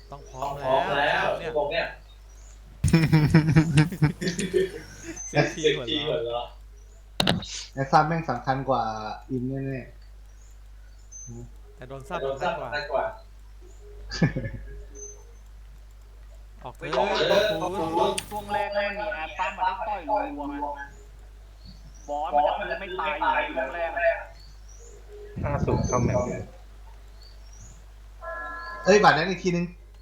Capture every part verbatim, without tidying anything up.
ต้องพร้อมแล้วเนี่ยผมเนี่ยเซ็กซี่เหมือนเราไอ้ซับแม่งสำคัญกว่าอินแน่แต่โดนซับสำคัญกว่าออกเลยขอบคุณช่วงแรกมันมีแอปปั้มมาได้ต่อยรัวๆไงบอสมันจะคือไม่ตายอยู่ในช่วงแรกอะห้าสูงเข้าแมวๆเอ้ยบาดนั้นอีกทีนึง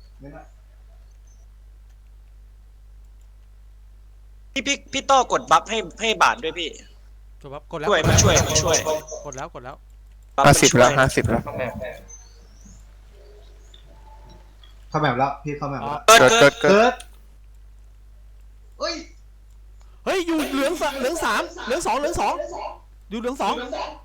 พี่พี่พี่โต้กดบัฟให้ให้บาทด้วยพี่จบครับกดแล้วช่วยมาช่วยมาช่วยกดแล้วกดแล้วบัฟห้ามาสิบช่วยแล้วห้าสิบแล้วเข้าแมวเข้าแบบแล้วพี่เข้าแบบแล้วเกิดเกิดเกิเกิดดเกิดเกิดเฮ้ยเฮ้ยอยู่เหลืองสเหลืองสามเหลืองสองเหลืองสองอยู่เหลืองสอง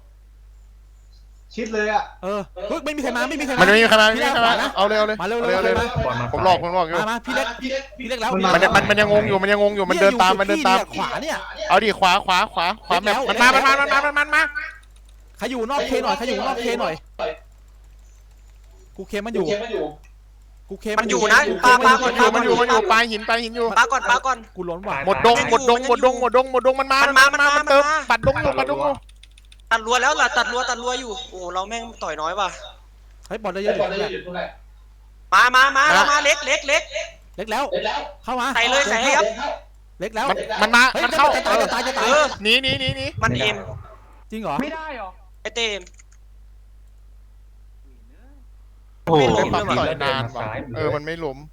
ชิดเลยอ่ะเออเฮ้ยไม่มีใครมาไม่มีใครมันมาไม่มีใครมาไม่พี่มีเล็กใครมานะเอาเลยเอาเลยมาเร็วเอาเร็เลวยเอาเลยมาผมหลอกผมหลอกอยู่มามาพี่เล็กพี่เล็กแล้วมันมันมันยังงงอยู่มันยังงงอยู่มันเดินตามมันเดินตามขวาเนี่ยเอาดิขวาขวาขวาขวาแบบมันมามันมามันมามันมามันมาใครอยู่นอกเคหน่อยใครอยู่นอกเคหน่อยกูเคมันอยู่กูเคมันอยู่นะปาปาก่อนมันอยู่มันอยู่มันอยู่ปลายหินปลายหินอยู่ปาก่อนปาก่อนกูล้นว่ะหมดดงหมดดงหมดดงหมดดงหมดดงมันมามันมามันมามันเติมปัดดงอยู่ปัดดงอยู่ตัดรัวแล้วล่ะตัดรัวตัดรัวอยู่โอ้เราแม่งต่อยน้อยว่ะเฮ้ยบอลได้เยอะอยู่แหละมามามาแล้วมาเล็กเล็กเล็กเล็กแล้วเข้ามาใส่เลยใส่ให้ครับเล็กแล้วมันมันมามันเข้าจะตายจะตายจะตายเออหนีหนีหนีหนีมันเอ็มจริงเหรอไม่ได้หรอไอเต็มโอ้โหปั๊มต่อยนานว่ะเออมันไม่ล้ม